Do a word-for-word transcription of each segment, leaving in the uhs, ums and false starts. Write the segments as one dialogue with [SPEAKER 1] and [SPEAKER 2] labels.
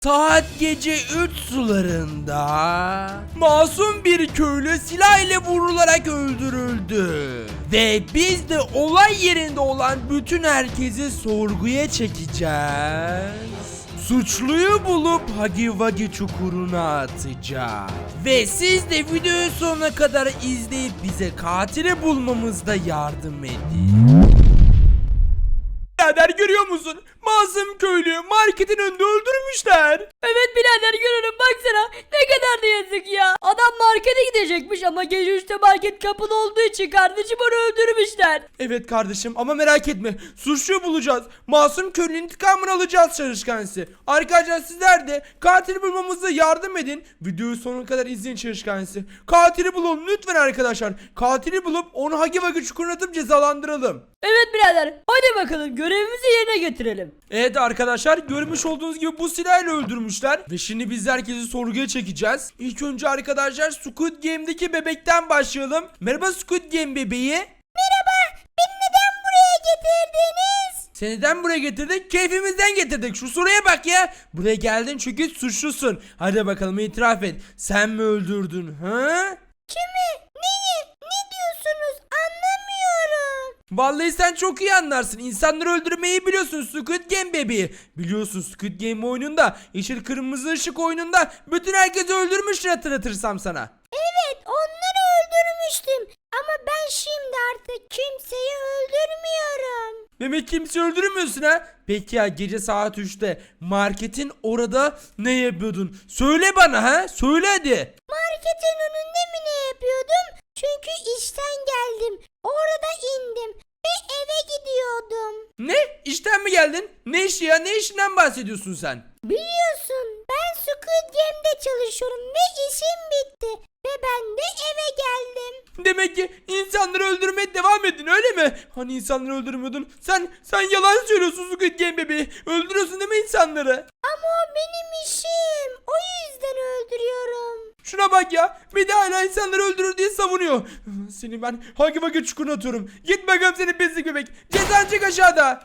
[SPEAKER 1] Saat gece üç sularında masum bir köylü silah ile vurularak öldürüldü. Ve biz de olay yerinde olan bütün herkesi sorguya çekeceğiz. Suçluyu bulup Hagi Vagi çukuruna atacağız. Ve siz de videoyu sonuna kadar izleyip bize katili bulmamızda yardım edin. Birader görüyor musun? Masum köylüyü marketin önünde öldürmüşler.
[SPEAKER 2] Evet birader görüyorum, baksana ne kadar da yazık ya. Adam markete gidecekmiş ama gece üçte market kapalı olduğu için kardeşim onu öldürmüşler.
[SPEAKER 1] Evet kardeşim ama merak etme. Suçluyu bulacağız. Masum köylünün intikamını alacağız çalışkansı. Arkadaşlar sizler de katili bulmamıza yardım edin. Videoyu sonuna kadar izleyin çalışkansı. Katili bulalım lütfen arkadaşlar. Katili bulup onu Hagi Vagi çukuruna atıp cezalandıralım.
[SPEAKER 2] Evet birader, hadi bakalım görevimizi yerine getirelim.
[SPEAKER 1] Evet arkadaşlar, görmüş olduğunuz gibi bu silahla öldürmüşler. Ve şimdi biz herkesi sorguya çekeceğiz. İlk önce arkadaşlar Squid Game'deki bebekten başlayalım. Merhaba Squid Game bebeği.
[SPEAKER 2] Merhaba, beni neden buraya getirdiniz?
[SPEAKER 1] Seni neden buraya getirdik? Keyfimizden getirdik. Şu soruya bak ya. Buraya geldin çünkü suçlusun. Hadi bakalım itiraf et. Sen mi öldürdün? Ha?
[SPEAKER 2] Kimi? Neyi? Ne diyorsunuz? Anlamıyorum.
[SPEAKER 1] Vallahi sen çok iyi anlarsın. İnsanları öldürmeyi biliyorsun Squid Game bebeği. Biliyorsun Squid Game oyununda, yeşil kırmızı ışık oyununda bütün herkesi öldürmüştür hatırlatırsam sana.
[SPEAKER 2] Evet, onları öldürmüştüm. Ama ben şimdi artık kimseyi öldürmüyorum.
[SPEAKER 1] Demek kimse öldürmüyorsun ha? Peki ya gece saat üçte marketin orada ne yapıyordun? Söyle bana ha? Söyle hadi.
[SPEAKER 2] Marketin önünde mi ne yapıyordum? Çünkü işten geldim. Orada indim ve eve gidiyordum.
[SPEAKER 1] Ne? İşten mi geldin? Ne işi ya? Ne işinden bahsediyorsun sen?
[SPEAKER 2] Biliyorsun, ben Squid Game'de çalışıyorum ve işim bitti. Ve ben de eve geldim.
[SPEAKER 1] Demek ki insanları öldürmeye devam edin öyle mi? Hani insanları öldürmüyordun? Sen sen yalan söylüyorsun Squid Game bebeği. Öldürüyorsun değil mi insanları?
[SPEAKER 2] Ama o benim işim. O yüzden öldürüyorum.
[SPEAKER 1] Şuna bak ya. Bir de hala insanları öldürür diye savunuyor. Seni ben Hagi Vagi çukuruna atıyorum. Git bakalım seni pislik bebek. Cezan çık aşağıda.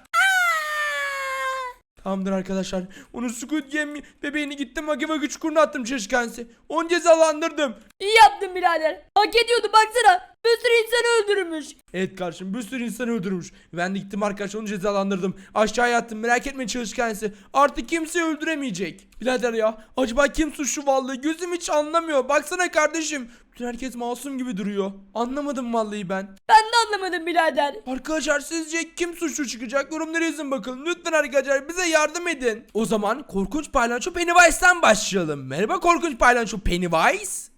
[SPEAKER 1] Tamamdır arkadaşlar. Onu Squid Game bebeğini gittim Hagi Vagi çukuruna attım çalışkansı. Onu cezalandırdım.
[SPEAKER 2] İyi yaptın birader. Hak ediyordu, baksana. Bir sürü insanı öldürmüş.
[SPEAKER 1] Evet kardeşim, bir sürü insanı öldürmüş. Ben de gittim arkadaşlar onu cezalandırdım. Aşağıya attım, merak etme çalışkansı. Artık kimseyi öldüremeyecek. Birader ya, acaba kim suçlu vallahi, gözüm hiç anlamıyor. Baksana kardeşim, bütün herkes masum gibi duruyor. Anlamadım vallahi ben.
[SPEAKER 2] Ben de anlamadım birader.
[SPEAKER 1] Arkadaşlar sizce kim suçlu çıkacak? Yorumlara yazın bakalım. Lütfen arkadaşlar bize yardım edin. O zaman korkunç paylaşçı Pennywise'den başlayalım. Merhaba korkunç paylaşçı Pennywise.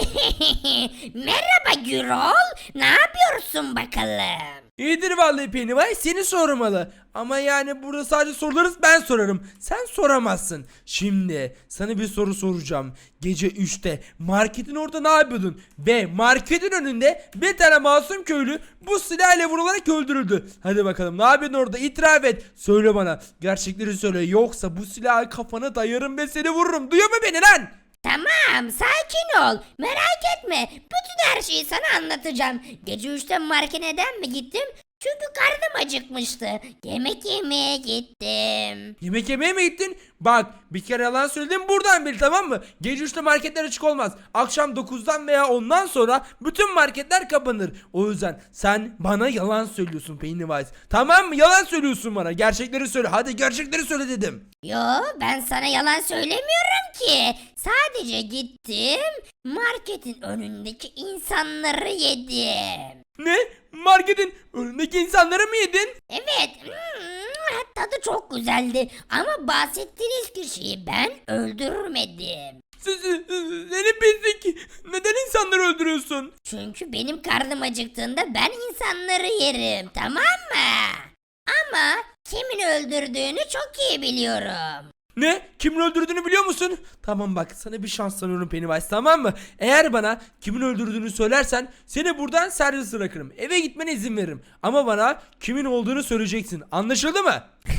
[SPEAKER 2] Merhaba Gürol. Ne yapıyorsun bakalım?
[SPEAKER 1] İyidir vallahi Pennywise, seni sormalı. Ama yani burada sadece sorularız, ben sorarım. Sen soramazsın. Şimdi sana bir soru soracağım. Gece üçte marketin orada ne yapıyordun? Ve marketin önünde bir tane masum köylü bu silahla vurularak öldürüldü. Hadi bakalım ne yapıyordun orada, itiraf et. Söyle bana, gerçekleri söyle, yoksa bu silahı kafana dayarım ve seni vururum. Duyuyor mu beni lan?
[SPEAKER 2] Tamam, sakin ol. Merak etme. Bütün her şeyi sana anlatacağım. Gece üçte markete neden mi gittim? Çünkü karnım acıkmıştı. Yemek yemeye gittim.
[SPEAKER 1] Yemek yemeye mi gittin? Bak bir kere yalan söyledim, buradan bil, tamam mı? Gece üçte marketler açık olmaz. Akşam dokuzdan veya ondan sonra bütün marketler kapanır. O yüzden sen bana yalan söylüyorsun Pennywise. Tamam mı? Yalan söylüyorsun bana. Gerçekleri söyle. Hadi gerçekleri söyle dedim.
[SPEAKER 2] Yo, ben sana yalan söylemiyorum ki. Sadece gittim, marketin önündeki insanları yedim.
[SPEAKER 1] Ne? Marketin önündeki insanları mı yedin?
[SPEAKER 2] Evet, hmm, tadı çok güzeldi ama bahsettiğiniz kişiyi ben öldürmedim.
[SPEAKER 1] Siz, seni pislik. Neden insanları öldürüyorsun?
[SPEAKER 2] Çünkü benim karnım acıktığında ben insanları yerim, tamam mı? Ama kimin öldürdüğünü çok iyi biliyorum.
[SPEAKER 1] Ne? Kimin öldürdüğünü biliyor musun? Tamam bak, sana bir şans tanıyorum Pennywise, tamam mı? Eğer bana kimin öldürdüğünü söylersen seni buradan serbest bırakırım. Eve gitmene izin veririm. Ama bana kimin olduğunu söyleyeceksin. Anlaşıldı mı?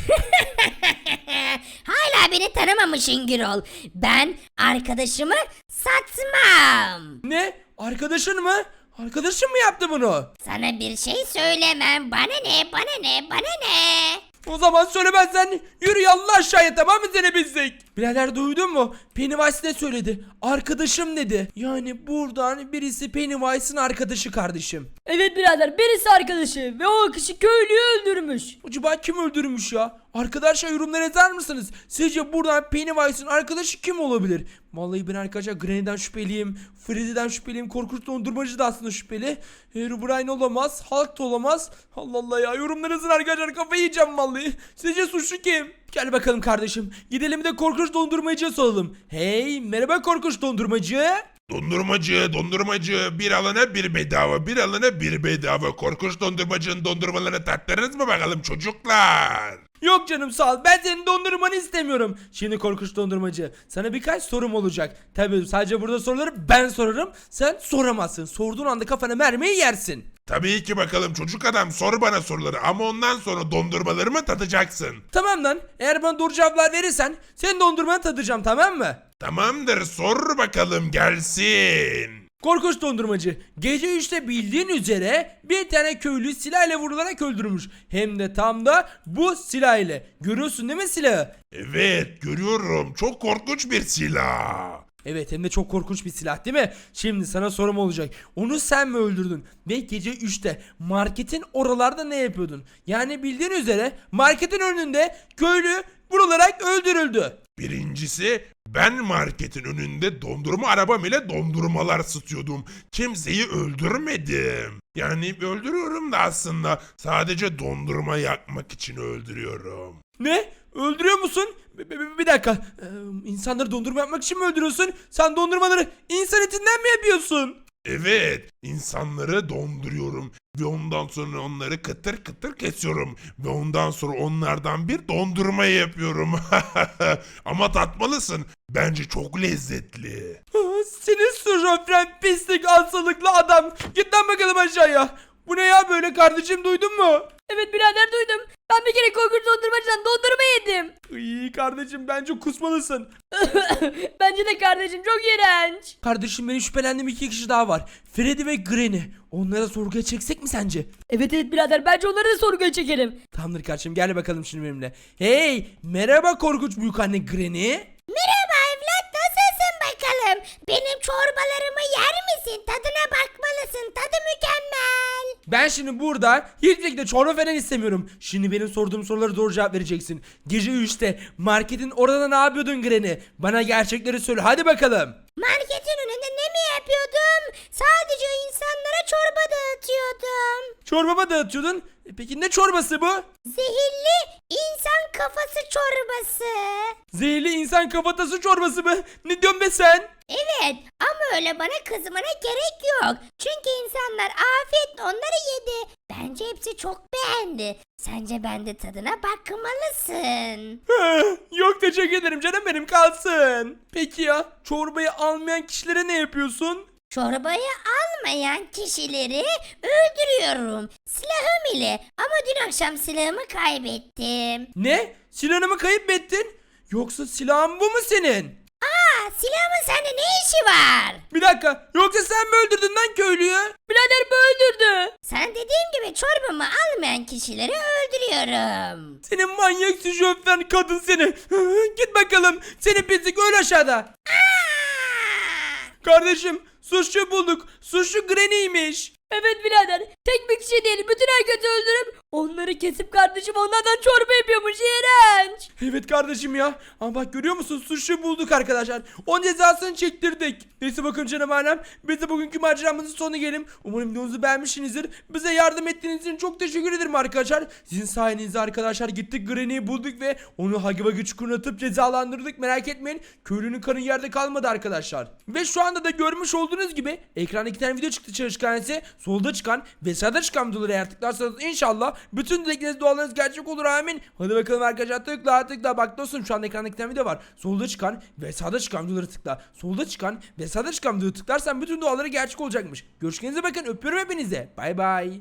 [SPEAKER 2] Hala beni tanımamışsın Gürol. Ben arkadaşımı satmam.
[SPEAKER 1] Ne? Arkadaşın mı? Arkadaşın mı yaptı bunu?
[SPEAKER 2] Sana bir şey söylemem. Bana ne, bana ne, bana ne?
[SPEAKER 1] O zaman söylemezsen yürü yallah aşağıya, tamam mı seni pislik? Birader duydun mu? Pennywise ne söyledi? Arkadaşım dedi. Yani buradan birisi Pennywise'ın arkadaşı kardeşim.
[SPEAKER 3] Evet birader, birisi arkadaşı ve o kişi köylüyü öldürmüş.
[SPEAKER 1] Acaba kim öldürmüş ya? Arkadaşlar yorumlara yazar mısınız? Sizce buradan Pennywise'ın arkadaşı kim olabilir? Vallahi ben arkadaşlar Granny'den şüpheliyim. Freddy'den şüpheliyim. Korkunç dondurmacı da aslında şüpheli. Herobrine olamaz. Hulk da olamaz. Allah Allah ya. Yorumlara yazın arkadaşlar. Kafayı yiyeceğim vallahi. Sizce suçlu kim? Gel bakalım kardeşim. Gidelim de korkunç dondurmacıya soralım. Hey merhaba korkunç dondurmacı.
[SPEAKER 4] Dondurmacı, dondurmacı, bir alana bir bedava, bir alana bir bedava. Korkunç dondurmacının dondurmalarını tattınız mı bakalım çocuklar?
[SPEAKER 1] Yok canım sağ ol. Ben senin dondurmanı istemiyorum. Şimdi korkunç dondurmacı. Sana birkaç sorum olacak. Tabii sadece burada soruları ben sorarım. Sen soramazsın. Sorduğun anda kafana mermiyi yersin.
[SPEAKER 4] Tabii ki bakalım çocuk adam, sor bana soruları ama ondan sonra dondurmalarımı tadacaksın.
[SPEAKER 1] Tamam lan. Eğer bana doğru cevaplar verirsen senin dondurmanı tadacağım tamam mı?
[SPEAKER 4] Tamamdır, sor bakalım gelsin.
[SPEAKER 1] Korkunç dondurmacı. Gece üçte bildiğin üzere bir tane köylü silahla vurularak öldürmüş. Hem de tam da bu silah ile. Görüyorsun değil mi silahı?
[SPEAKER 4] Evet, görüyorum, çok korkunç bir silah.
[SPEAKER 1] Evet hem de çok korkunç bir silah değil mi? Şimdi sana sorum olacak. Onu sen mi öldürdün? Ve gece üçte marketin oralarda ne yapıyordun? Yani bildiğin üzere marketin önünde köylü vurularak öldürüldü.
[SPEAKER 4] Birincisi, ben marketin önünde dondurma arabam ile dondurmalar satıyordum. Kimseyi öldürmedim. Yani öldürüyorum da aslında sadece dondurma yakmak için öldürüyorum.
[SPEAKER 1] Ne? Öldürüyor musun? Bir, bir- bir dakika. Ee, insanları dondurma yapmak için mi öldürüyorsun? Sen dondurmaları insan etinden mi yapıyorsun?
[SPEAKER 4] Evet, insanları donduruyorum ve ondan sonra onları kıtır kıtır kesiyorum ve ondan sonra onlardan bir dondurma yapıyorum. Ama tatmalısın. Bence çok lezzetli.
[SPEAKER 1] Ah, Senin şofren pislik hastalıklı adam. Git lan bakalım aşağıya. Bu ne ya böyle kardeşim duydun mu?
[SPEAKER 3] Evet birader, duydum. Ben bir kere korkunç dondurmacıdan dondurma yedim.
[SPEAKER 1] İyi kardeşim bence kusmalısın.
[SPEAKER 3] Bence de kardeşim, çok iğrenç.
[SPEAKER 1] Kardeşim benim şüphelendiğim iki kişi daha var. Freddy ve Granny. Onlara sorguya çeksek mi sence?
[SPEAKER 3] Evet evet birader, bence onları da sorguya çekelim.
[SPEAKER 1] Tamamdır kardeşim gel bakalım şimdi benimle. Hey merhaba korkunç büyükanne Granny.
[SPEAKER 2] Merhaba evlat, nasılsın bakalım? Benim çorbalarımı yer misin? Tadına bakmalısın, tadı mükemmel.
[SPEAKER 1] Ben şimdi burada hiçbir şekilde çorba falan istemiyorum. Şimdi benim sorduğum sorulara doğru cevap vereceksin. Gece üçte marketin orada ne yapıyordun Granny? Bana gerçekleri söyle hadi bakalım.
[SPEAKER 2] Marketin önünde ne mi yapıyordum? Sadece insanlara çorba dağıtıyordum.
[SPEAKER 1] Çorbama dağıtıyordun. E peki ne çorbası bu?
[SPEAKER 2] Zehirli insan kafası çorbası.
[SPEAKER 1] Zehirli insan kafatası çorbası mı? Ne diyorsun be sen?
[SPEAKER 2] Evet ama öyle bana kızmana gerek yok. Çünkü insanlar afiyetle onları yedi. Bence hepsi çok beğendi. Sence ben de tadına bakmalısın.
[SPEAKER 1] Yok teşekkür ederim canım benim kalsın. Peki ya çorbayı almayan kişilere ne yapıyorsun?
[SPEAKER 2] Çorbayı almayan kişileri öldürüyorum. Silahım ile. Ama dün akşam silahımı kaybettim.
[SPEAKER 1] Ne? Silahını mı kayıp ettin? Yoksa silahın bu mu senin?
[SPEAKER 2] Aa, silahımın sende ne işi var?
[SPEAKER 1] Bir dakika yoksa sen mi öldürdün lan köylüyü?
[SPEAKER 3] Birader bu öldürdü.
[SPEAKER 2] Sen dediğim gibi çorbamı almayan kişileri öldürüyorum.
[SPEAKER 1] Senin manyak şoför kadın seni. Git bakalım seni pislik öl aşağıda.
[SPEAKER 2] Aa!
[SPEAKER 1] Kardeşim suçlu bulduk. Suçlu Granny'ymiş.
[SPEAKER 3] Evet birader, tek bir kişi değil, bütün herkesi öldürüp onları kesip kardeşim onlardan çorba yapıyormuş, iğrenç.
[SPEAKER 1] Evet kardeşim ya. Ama bak görüyor musun suçlu bulduk arkadaşlar. Onun cezasını çektirdik. Neyse bakın canım alem. Biz de bugünkü maceramızın sonuna gelelim. Umarım videomuzu beğenmişsinizdir. Bize yardım ettiğiniz için çok teşekkür ederim arkadaşlar. Sizin sayenizde arkadaşlar gittik Granny'yi bulduk ve onu Hagi Vagi çukuruna atıp cezalandırdık. Merak etmeyin. Köylünün kanı yerde kalmadı arkadaşlar. Ve şu anda da görmüş olduğunuz gibi ekranda iki tane video çıktı çalışkanesi. Solda çıkan ve sağda çıkan videoları eğer tıklarsanız inşallah bütün dilekleriniz dualarınız gerçek olur amin. Hadi bakalım arkadaşlar tıkla tıkla bak dostum şu anda ekranda iki tane video var. Solda çıkan ve sağda çıkan videoları tıkla. Solda çıkan ve sağda çıkan videoları tıklarsan bütün duaları gerçek olacakmış. Görüşürüz bakın öpüyorum hepinize. Bay bay.